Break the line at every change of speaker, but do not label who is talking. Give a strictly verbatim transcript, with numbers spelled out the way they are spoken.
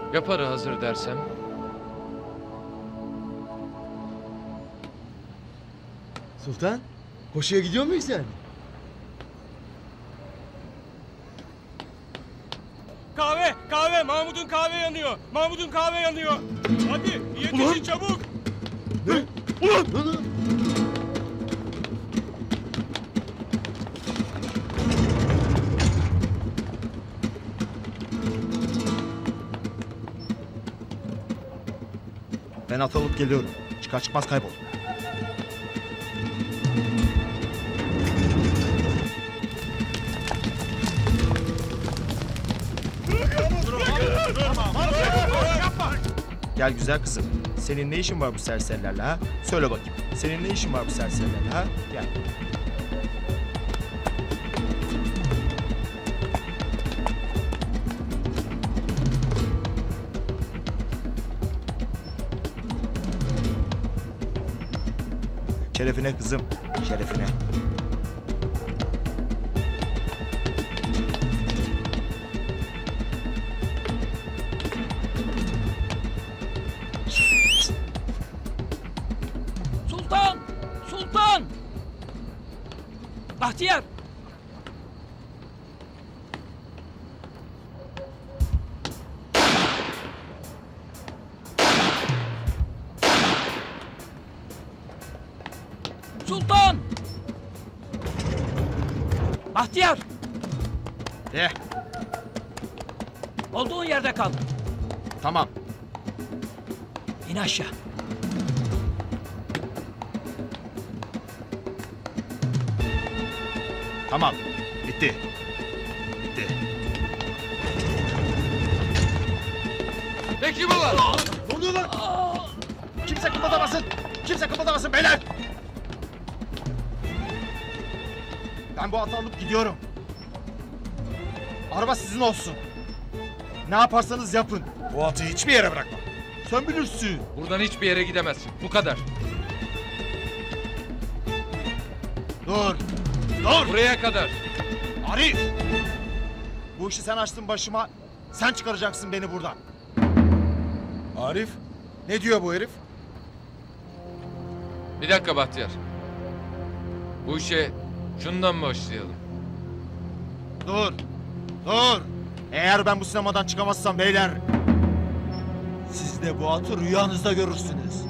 Ya para hazır dersem?
Sultan, koşuya gidiyor muyuz yani?
Kahve, kahve. Mahmut'un kahve yanıyor. Mahmut'un kahve yanıyor. Hadi yetişin
Ulan!
çabuk.
Ne? Ulan! Ulan!
Ben at alıp geliyorum. Çıkar çıkmaz kaybol. Gel güzel kızım. Senin ne işin var bu serserilerle ha? Söyle bakayım. Senin ne işin var bu serserilerle ha? Gel. Şerefine kızım. Şerefine.
Sultan! Sultan! Bahtiyar! Sultan! Bahtiyar!
De.
Olduğun yerde kal.
Tamam.
İn aşağı.
Tamam. Bitti. Bitti.
Peki baba.
Ne oluyor lan? Kimse kıpırdamasın. Kimse kıpırdamasın beyler. Ben bu atı alıp gidiyorum. Araba sizin olsun. Ne yaparsanız yapın. Bu atı hiçbir yere bırakma. Sen bilirsin.
Buradan hiçbir yere gidemezsin. Bu kadar.
Dur. Dur.
Buraya kadar.
Arif. Bu işi sen açtın başıma. Sen çıkaracaksın beni buradan.
Arif, ne diyor bu herif?
Bir dakika Bahtiyar. Bu işe şundan başlayalım.
Dur. Dur. Eğer ben bu sinemadan çıkamazsam beyler, siz de bu atı rüyanızda görürsünüz.